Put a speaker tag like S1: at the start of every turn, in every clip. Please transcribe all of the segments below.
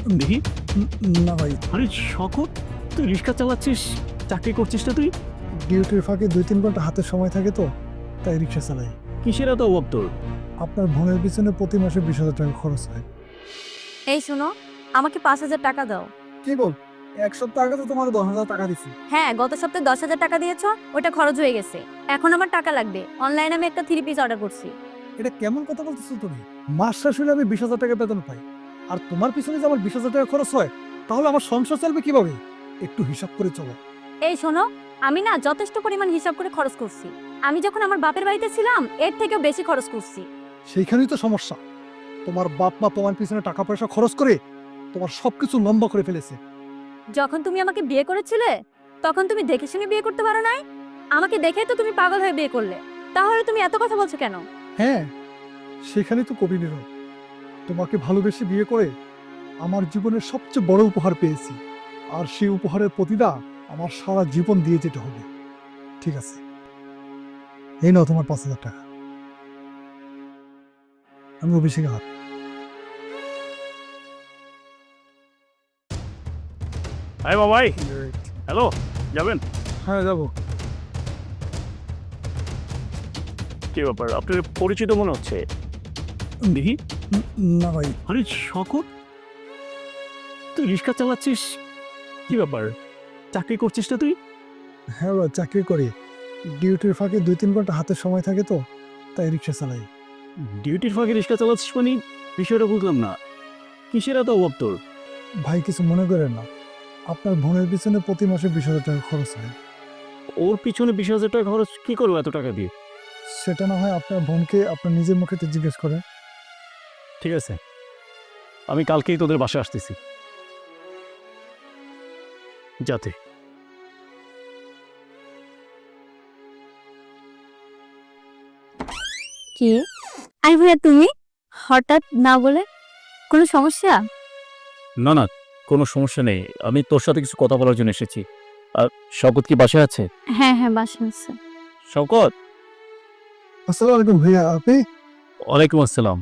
S1: দেখি।
S2: না ভাই,
S1: আরে শকত, তুই রিক্সা চালাচ্ছিস, চাকরি করছিস না তুই?
S2: ডিউটির ফাঁকে 2-3 ঘন্টা হাতে সময় থাকে তো, তাই রিক্সা চালাই।
S1: কিসের এত অভাব তোর?
S2: আপনার বোনের পিছনে প্রতি মাসে 20,000 টাকা খরচ হয়।
S3: এই শোনো, আমাকে 5,000 টাকা দাও।
S2: কি বল, 1 সপ্তাহ আগে তো তোমার 10,000 টাকা দিছি।
S3: হ্যাঁ, গত সপ্তাহে 10,000 টাকা দিয়েছো, ওটা খরচ হয়ে গেছে। এখন আমার টাকা লাগবে। অনলাইনে আমি একটা 3 পিস অর্ডার করছি।
S2: এটা কেমন কথা বলতেছো তুমি? মাস শেষ হলে আমি 20,000 টাকা বেতন পাই, আর তোমার পিছনে যে আমার 20,000 টাকা খরচ হয়, তাহলে আমার সংসার চলবে কিভাবে? একটু হিসাব করে চলো।
S3: এই শোনো, আমি না যথেষ্ট পরিমাণ হিসাব করে খরচ করছি। আমি যখন আমার বাপের বাড়িতে ছিলাম এর থেকেও বেশি খরচ করছি।
S2: সেইখানেই তো সমস্যা। তোমার বাপ মা তোমার পিছনে টাকা পয়সা খরচ করে তোমার সবকিছু লম্বা করে ফেলেছে।
S3: যখন তুমি আমাকে বিয়ে করেছিলে তখন তুমি দেখে শুনে বিয়ে করতে পারো নাই? আমাকে দেখেই তো তুমি পাগল হয়ে বিয়ে করলে। তাহলে তুমি এত কথা বলছো কেন?
S2: হ্যাঁ, সেখানেই তো কবি নীরব। তোমাকে ভালোবেসে বিয়ে করে আমার জীবনের সবচেয়ে বড় উপহার পেয়েছি, আর সেই উপহারের প্রতিটা আমার সারা জীবন দিয়ে যেতে হবে। ঠিক আছে, এই নাও তোমার 5,000 টাকা। আমি অভিষেক হাত।
S1: আরে বাবাই, হ্যালো, যাবেন?
S2: হ্যাঁ, যাবো।
S1: কি ব্যাপার, আপনার পরিচিত মনে হচ্ছে। দেখি।
S2: না ভাই,
S1: আরে শকত, তুই রিক্সা চালাচ্ছিস, কি ব্যাপার, চাকরি করছিস না তুই?
S2: হ্যাঁ ভাই, চাকরি করি। ডিউটির ফাঁকে 2-3 ঘন্টা হাতে সময় থাকে তো, তাই রিক্সা চালাই।
S1: ডিউটির ফাঁকে রিক্সা চালাচ্ছিস মানে বিষয়টা বুঝলাম না। কিসের এত অভাব তোর?
S2: ভাই, কিছু মনে করেন না, আপনার বোনের পিছনে প্রতি মাসে 20,000 টাকা খরচ হয়।
S1: ওর পিছনে 20,000 টাকা খরচ কি করবো এত টাকা দিয়ে?
S2: সেটা না হয় আপনার বোনকে আপনার নিজের মুখে তো জিজ্ঞেস করেন।
S1: ঠিক আছে, আমি কালকেই তোদের বাসায় আসতেছি। যাতে
S3: কি? আই ভাইয়া, তুমি হঠাৎ না বলে? কোনো সমস্যা?
S1: না না, কোনো সমস্যা নেই, আমি তোর সাথে কিছু কথা বলার জন্য এসেছি। আর শওকত কি বাসায় আছে?
S3: হ্যাঁ হ্যাঁ, বাসা আছে।
S1: শওকত।
S2: আসসালামু আলাইকুম ভাইয়া, আপনি?
S1: ওয়ালাইকুম আসসালাম।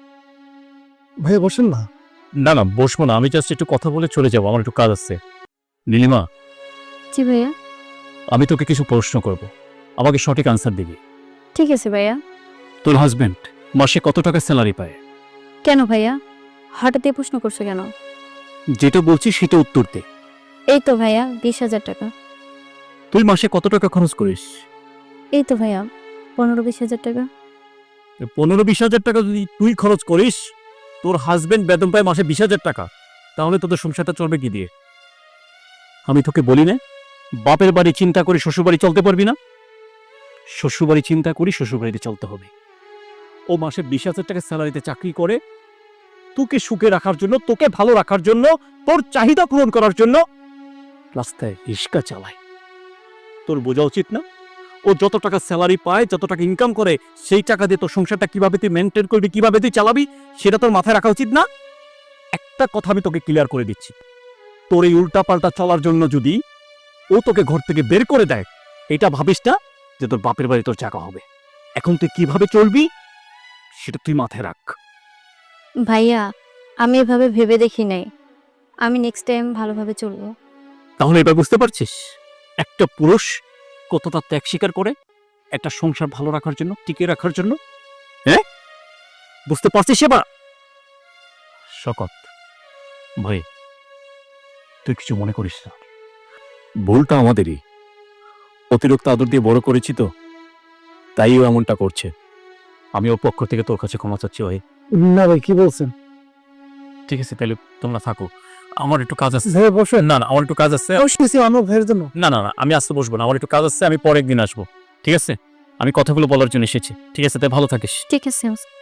S2: ভাইয়া বসেন না।
S1: না না, বসবো না, আমি জাস্ট একটু কথা বলে চলে যাবো, আমার একটু কাজ আছে। নীলিমা,
S3: জি ভাইয়া।
S1: আমি তোকে কিছু প্রশ্ন করব, আমাকে সঠিক আনসার দিবি।
S3: ঠিক আছে ভাইয়া।
S1: তোর হাজবেন্ড মাসে কত টাকা স্যালারি পায়?
S3: কেন ভাইয়া, হঠাৎ এই প্রশ্ন করছো কেন?
S1: যেটা বলছি সেটা উত্তর দে।
S3: এই তো ভাইয়া, 20,000 টাকা।
S1: তুই মাসে কত টাকা খরচ করিস?
S3: এই তো ভাইয়া, 15-20,000 টাকা।
S1: 15-20 হাজার টাকা যদি তুই খরচ করিস, তোর হাজবেন্ড বেতন পায় মাসে 20,000 টাকা, তাহলে তোদের সংসারটা চলবে কি দিয়ে? আমি তোকে বলি না, বাপের বাড়ি চিন্তা করে শ্বশুরবাড়ি চলতে পারবি না? শ্বশুরবাড়ি চিন্তা করি শ্বশুরবাড়িতে চলতে হবে। ও মাসে 20,000 টাকা স্যালারিতে চাকরি করে তোকে সুখে রাখার জন্য, তোকে ভালো রাখার জন্য, তোর চাহিদা পূরণ করার জন্য রাস্তায় রিক্সা চালায়। তোর বোঝা উচিত না, ও যত টাকা স্যালারি পায়, যত টাকা ইনকাম করে, সেই টাকা দিয়ে তোর সংসারটা কিভাবে তুই মেনটেন করবি, কিভাবে তুই চালাবি, সেটা তোর মাথায় রাখা উচিত না? একটা কথা আমি তোকে ক্লিয়ার করে দিচ্ছি, তোর এই উল্টাপাল্টা চলার জন্য যদি ও তোকে ঘর থেকে বের করে দেয়, এটা ভাবিস না যে তোর বাপের বাড়ি তোর জায়গা হবে। এখন তুই কিভাবে চলবি সেটা তুই মাথায় রাখ।
S3: ভাইয়া, আমি এভাবে ভেবে দেখি নাই। আমি নেক্সট টাইম ভালোভাবে চলবো।
S1: তাহলে এবার বুঝতে পারছিস একটা পুরুষ কতটা ত্যাগ স্বীকার করে একটা সংসার ভালো রাখার জন্য, টিকে রাখার জন্য? হ্যাঁ, বুঝতে পারছিস এবার? শকত ভাই, তুই কিছু মনে করিস না, ভুলটা আমাদেরই। অতিরিক্ত আদর দিয়ে বড় করেছি তো, তাই ও এমনটা করছে। আমি ওর পক্ষ থেকে তোর কাছে ক্ষমা চাচ্ছি ভাই।
S2: না ভাই, কি বলছেন?
S1: ঠিক আছে, তাহলে তোমরা থাকো, আমার একটু কাজ আছে।
S2: ভাইয়া বসেন।
S1: না না, আমার একটু কাজ আছে।
S2: বসতেছি আমার ভাইয়ের জন্য।
S1: না না না, আমি আসতে বসবো না, আমার একটু কাজ আছে, আমি পরে একদিন আসবো। ঠিক আছে, আমি কথাগুলো বলার জন্য এসেছি। ঠিক আছে, তাই ভালো থাকিস।
S3: ঠিক আছে।